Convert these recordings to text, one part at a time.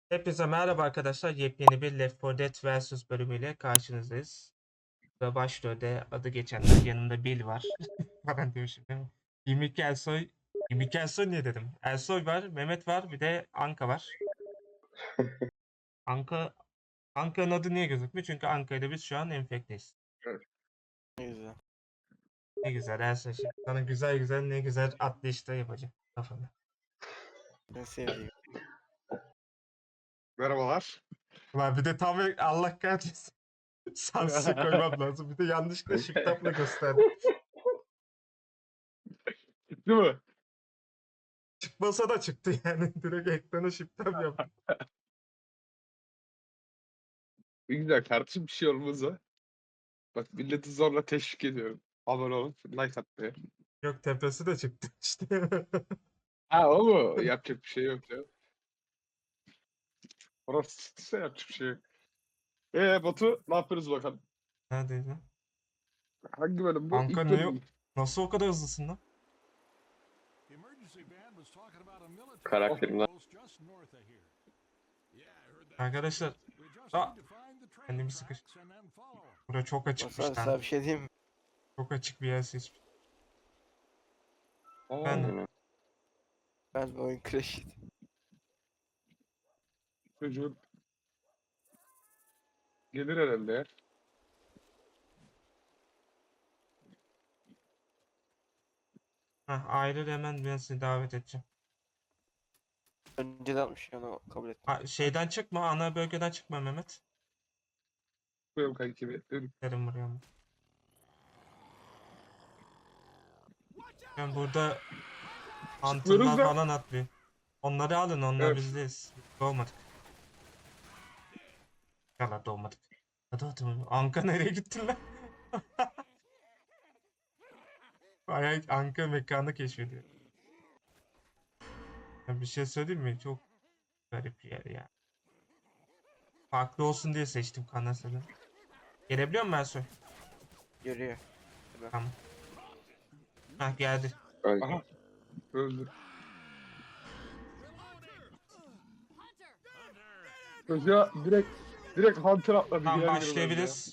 Hepinize merhaba arkadaşlar. Yepyeni bir Left 4 Dead vs bölümüyle karşınızdayız. Ve başrolde adı geçenler yanımda Bill var. Falan diyor şimdi. Yimik Ersoy. Yimik Ersoy ne dedim? Ersoy var, Mehmet var, bir de Anka var. Anka, Anka'nın adı niye gözükmüyor? Çünkü Anka'yla biz şu an enfekteyiz. Ne güzel. Ne güzel Ersoy. Şimdi sana güzel güzel ne güzel atlayışlar yapacağım kafanda. En sevdiğim. Merhabalar. Ulan bir de tam Allah kahretsin. Sansür koymam lazım. Bir de yanlışlıkla shift-up'la gösterdim. Değil mi? Çıkmasa da çıktı yani. Direkt ekrana shift-up yaptım. Ne güzel kardeşim, bir şey olmaz ha. Bak, milleti zorla teşvik ediyorum. Abone olup like atmaya. Yok tepesi de çıktı işte. Ha, o mu? Yapacak bir şey yok ya. Orası çıktıysa yapacak bir şey yok. Batu, ne yapıyoruz bakalım? Neredeydi? Hangi bölüm bu? Anka İlk ne bölüm yok? mü? Nasıl o kadar hızlısın lan? Karakterimden. Arkadaşlar. Aa, kendimi sıkış. Bura çok açıkmış Masal sana lan. bir şey diyeyim mi? Çok açık bir yer seçmiş. Aa, Ben Ben bu oyun crash yedi. çocuğun gelir herhalde ya. ayrıl hemen ben seni davet edeceğim. Önceden atmış onu kabul ettim. Şeyden çıkma, ana bölgeden çıkma Mehmet. Buyurun kanki, bekliyorum. Derim buraya mı? Ben burada Çıkmıyoruz Hunter'lar da. falan atlıyor. Onları alın, onlar Evet. bizdeyiz. Doğmadık. Yalan doğmadık. Hadi. Anka nereye gittin lan? Bayağı Anka mekanı keşfediyor. Ya bir şey söyleyeyim mi? Çok garip bir yer ya. Farklı olsun diye seçtim Kanasa'da. Gelebiliyor musun Ersoy? Görüyor. Tamam. Hah geldi. Öyle. Aha. Öldü. Çocuğa direkt Hunter atladı. Tamam girer girmez ya. başlayabiliriz.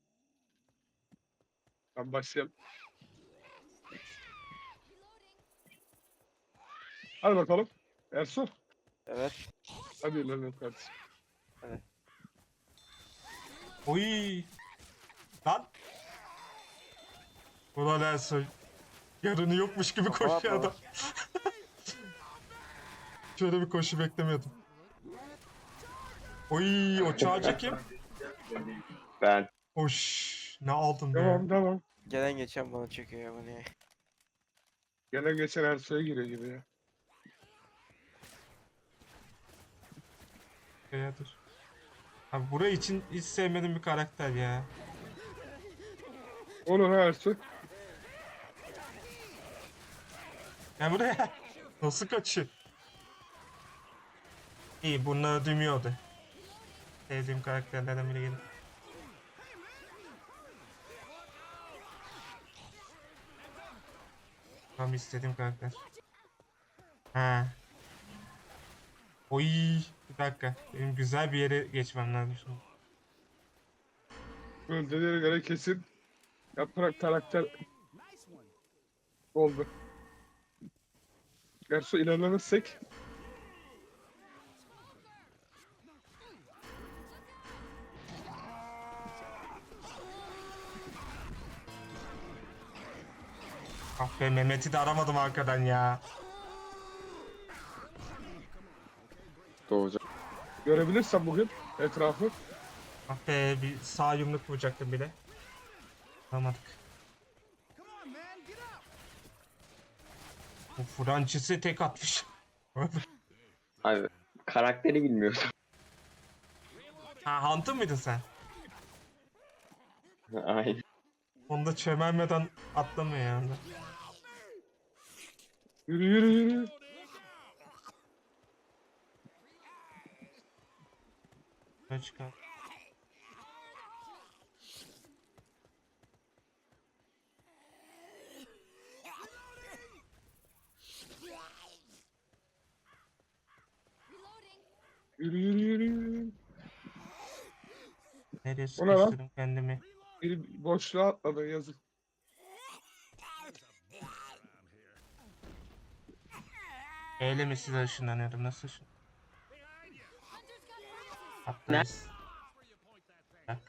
Ben başlayalım. Hadi bakalım. Ersun. Evet. Hadi ilerleyelim kardeşim. Oy. Lan. Ulan Ersoy. Yarını yokmuş gibi koşuyor Yapma. adam. Şöyle bir koşu beklemiyordum. Oy o çağcı kim? Ben Oş. Ne aldın be? Tamam. Gelen geçen bana çekiyor ya bu ne? Gelen geçen Ersoy'a giriyor gibi ya. Ya dur. Abi burayı için hiç sevmediğim bir karakter ya. Onu ha Ersoy. Ya buraya. Nasıl kaçıyor? İyi bunları dümüyordu. Sevdiğim karakterlerden biri geldi. Tam istediğim karakter. Ha. Oy. Bir dakika. Benim güzel bir yere geçmem lazım şimdi. Öldüğüne göre kesin yaprak karakter oldu. Ersoy ilerlemezsek Ah be Mehmet'i de aramadım arkadan ya. doğacağım. görebilirsem bugün etrafı. Ah be bir sağ yumruk vuracaktım bile. Aramadık. Bu Fransız'ı tek atmış. Abi karakteri bilmiyorum. Ha Hunter mıydın sen? Aynen. Onda çömelmeden atlamıyor yani. Yürü. Ne çıkar? Yürü yürü yürü yürü. Nereye O ne lan? sıkıştırdım kendimi? Bir boşluğa atladı yazık. Eyle mi size ışınlanıyorum? Nasıl ışın? Ne? Atlarız. Bak.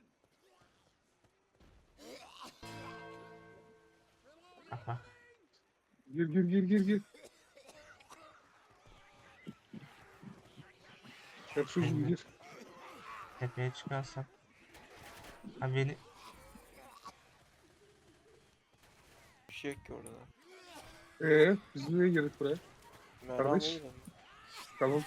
Bak bak. Gir gir gir gir gir. Hepsizim gir. Tepeye çıkarsam. Ha beni Bir şey yok ki orada. Biz niye girdik buraya? Merhaba Kardeş. mıydı? Tamam.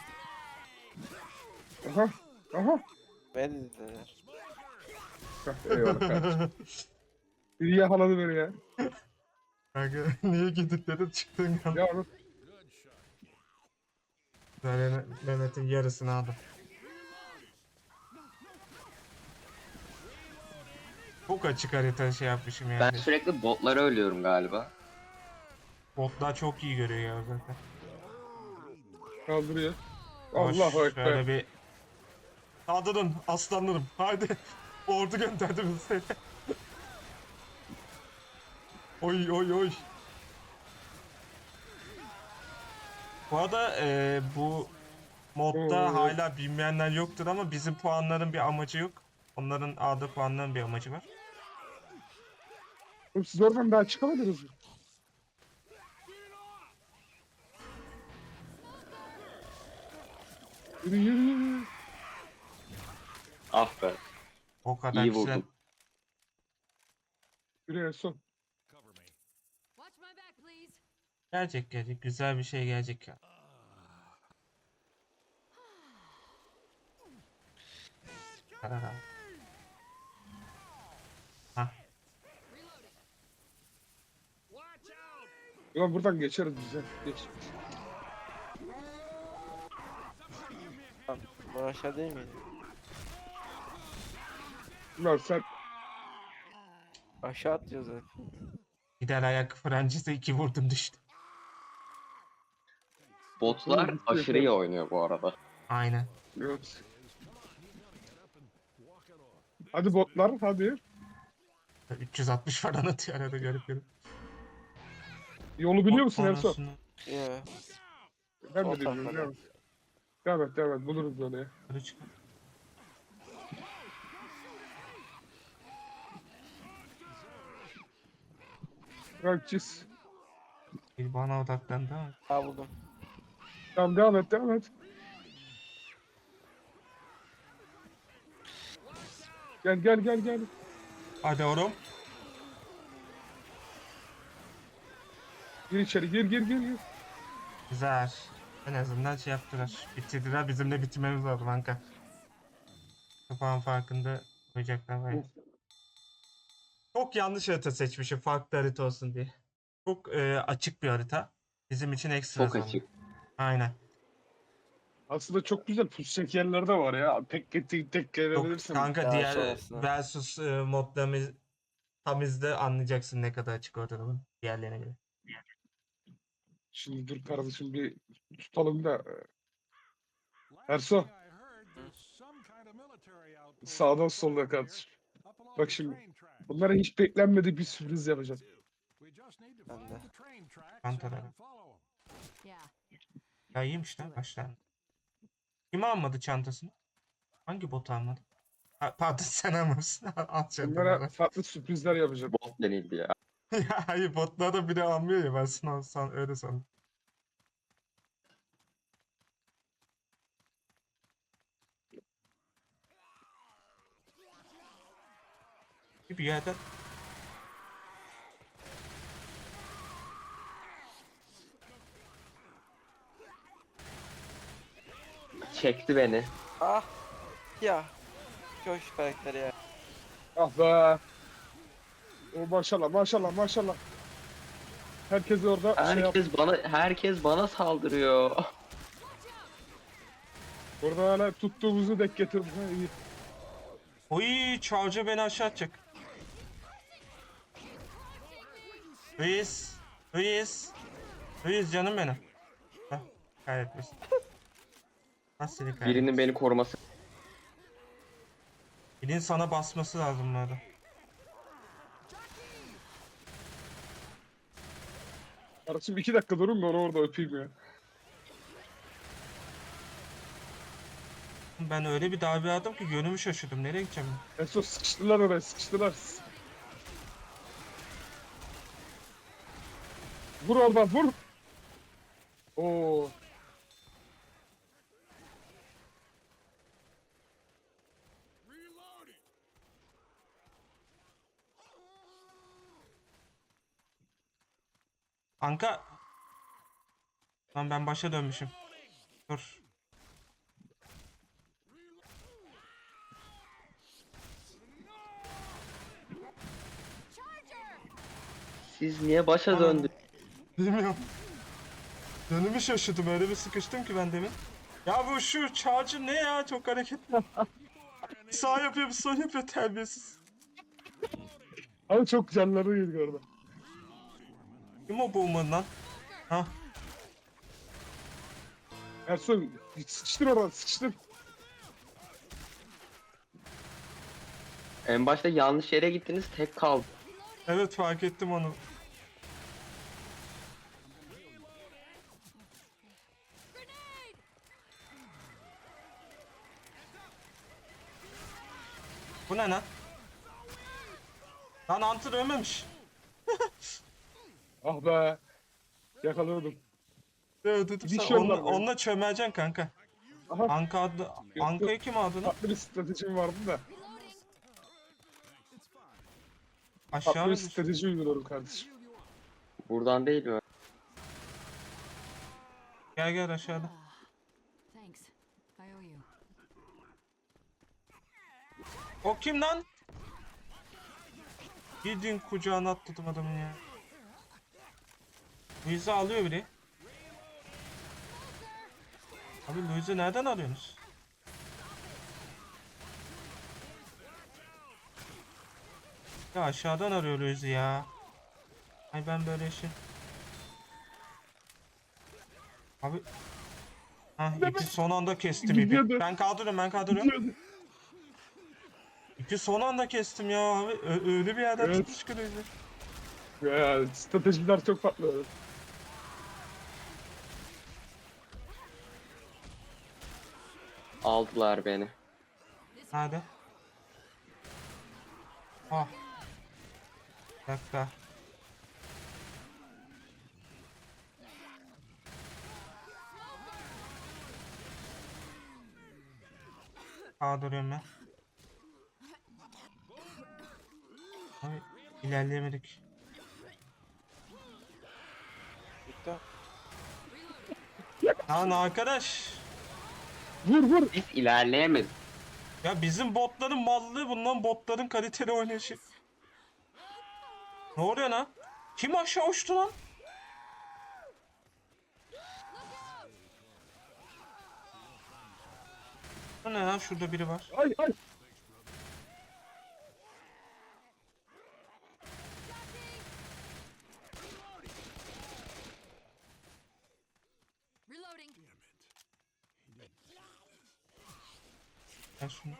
Aha. Aha. Ben dediler. Heh, eyvallah kardeşim. Biri yakaladı beni ya. Kanka niye gidip dedim çıktın ya. Ya oğlum. Ben Mehmet'in yarısını aldım. Çok açık harita şey yapmışım Ben yani. sürekli botlara ölüyorum galiba. Botlar çok iyi görüyor ya zaten. Kaldırıyor. Hoş, Allahu Ekber. şöyle bir saldırın aslanlarım. Haydi. Ordu gönderdim size. Oy oy oy. Bu arada bu modda Oo. hala bilmeyenler yoktur ama bizim puanların bir amacı yok. Onların aldığı puanların bir amacı var. Oğlum siz oradan daha çıkamadınız mı? Yürü yürü yürü. Ah be. O kadar İyi kişiden vurdum. Yürü en son. Watch my back, please. gelecek. Güzel bir şey gelecek ya. Tarara. Hah. Reloading. Ulan buradan geçeriz biz ya. Geç. Bu aşağı değil miydi? Ulan sen Aşağı atlıyor zaten. Gider ayak Fransız'a 2 vurdum düştü. Botlar aşırı iyi oynuyor bu arada. Aynen. evet. Hadi botlar hadi. 360 falan atıyor arada garip garip. Yolu biliyor musun Ersoy? Sonrasını Ya. Ben Sol de bilmiyorum. tarafa Devam et. Devam et devam et. Buluruz onu ya. yukarı çıkar. Bırak çiz. Bir bana odaklandı ama. Ha buldum. Tamam devam et devam et. Gel gel gel gel. Hadi oğlum. Gir içeri gir gir gir. Gir. Güzel. En azından şey yaptılar. Bitirdiler. Bizim de bitirmemiz lazım kanka. Kapağın farkında koyacaklar var ya. Çok yanlış harita seçmişim. Farklı harita olsun diye. Çok açık bir harita. Bizim için ekstra Çok zor. açık. Aynen. Aslında çok güzel pusacak yerler de var ya. Tek Çok, gelebilirsin. kanka Daha diğer sonrasında. versus modlarımız tamizde anlayacaksın ne kadar açık olduğunu diğerlerine göre. Şimdi dur kardeşim bir tutalım da. Erso. Sağdan soldan kardeşim. Bak şimdi. Bunlara hiç beklenmedik bir sürpriz yapacağım. Ben de. Kantalara. Yeah. Ya iyiymiş lan başlar. Kim almadı çantasını? Hangi bot almadı? Ha, pardon sen almamışsın. Al Bunlara çantaları. farklı sürprizler yapacağım. Bot denildi ya. Ya hayır botlar da bile almıyor ya ben san öyle sandım. Bir yerden Çekti beni. Ah. Ya. Çok şu karakteri ya. Ah be. O maşallah maşallah maşallah. Herkes orada şey yap. Herkes bana saldırıyor. Orada hala tuttuğumuzu denk getirdik. Ha, iyi. oy Charger beni aşağı atacak. Luis canım benim. Heh, kaybetmiş. Bas seni Birinin kaybetmiş. beni koruması. Birinin sana basması lazım burada. Kardeşim 2 dakika durun da onu orada öpeyim ya. Ben öyle bir darbe aldım ki yönümü şaşırdım. Nereye gideceğim? En son sıkıştılar oraya, sıkıştılar. Vur oradan, vur. Oo. Anka. Lan ben başa dönmüşüm. Dur. Siz niye başa döndünüz? Bilmiyorum. Yönümü şaşırdım. Öyle bir sıkıştım ki ben demin. Ya bu şu charger ne ya? Çok hareketli. Bir sağ yapıyor bir sol yapıyor terbiyesiz. Ama çok canları yedik orada. Kim o boomer lan? Ha? Ersoy sıkıştır oradan, sıkıştır. En başta yanlış yere gittiniz, tek kaldı. Evet fark ettim onu. Bu ne lan? Lan Hunter ölmemiş. Ah be. Yakaladım. Dedim sen Dişiyorlar onunla, böyle. onunla çömeleceksin kanka. Aha. Anka adı, Anka'yı kim aldı lan? Farklı bir stratejim vardı da. Aşağı Farklı mı bir düştü? strateji uyguluyorum kardeşim. Buradan değil mi? Gel gel aşağıda. Thanks. I owe you. O kim lan? Gidin kucağına atladım adamın ya. Louise'i alıyor biri. Abi Louise'i nereden alıyorsunuz? Ya aşağıdan arıyor Louise'i ya. Ay ben böyle şey. Abi. Ha ipi son anda kestim ipi. Gidiyordu. Ben kaldırıyorum. İpi son anda kestim ya abi. Öyle bir yerden Evet. çıkmış ki Louise'i. Ya stratejiler çok farklı. Aldılar beni. Nerede? Ah. Bir dakika. Kaldırıyorum ben. Abi ilerleyemedik. Bitti. Lan arkadaş. Vur vur. Biz ilerleyemedik. Ya bizim botların mallığı bundan botların kaliteli oynayışı. Ne oluyor lan? Kim aşağı uçtu lan? Bu ne lan? Şurada biri var. Ay ay. Reloading. Gel şunu.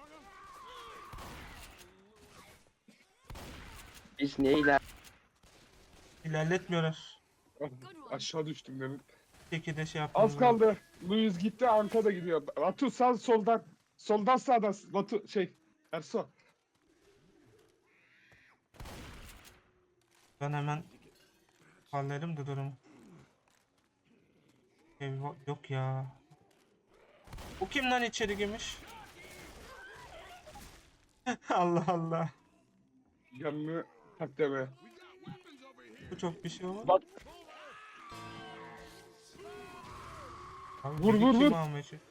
Biz niye iler... İlerletmiyorlar. Ah, aşağı düştüm demin. Bir şekilde şey yapmamız Az lazım. kaldı. Luis gitti, Anka da gidiyor. Batu sağ soldan. Soldan sağdan. Batu şey. Erso. Ben hemen hallerim de durumu. Eyvah, yok ya. Bu kim lan içeri girmiş? Allah Allah. Yanını tak deme. Bu çok bir şey olmadı. Bak. Abi Vur, biri vur, kim vur. almaya çalışıyor?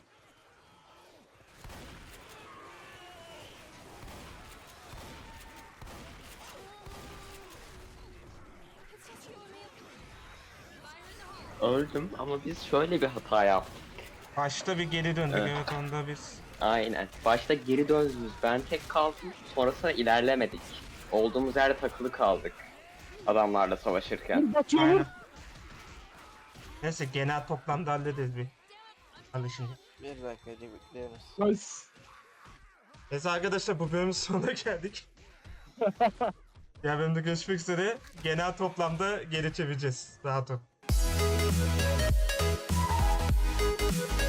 Öldüm ama biz şöyle bir hata yaptık. Başta bir geri döndük Evet. evet onda biz. Aynen. Başta geri döndünüz. Ben tek kaldım. Sonrasında ilerlemedik. Olduğumuz yerde takılı kaldık. Adamlarla savaşırken. Vur Batu vur. Aynen. Neyse genel toplamda hallederiz bir. Alışınca. Bir dakika bekliyoruz. Nice. Neyse arkadaşlar bu bölümün sonuna geldik. Diğer bölümde görüşmek üzere. Genel toplamda geri çevireceğiz. Rahat ol.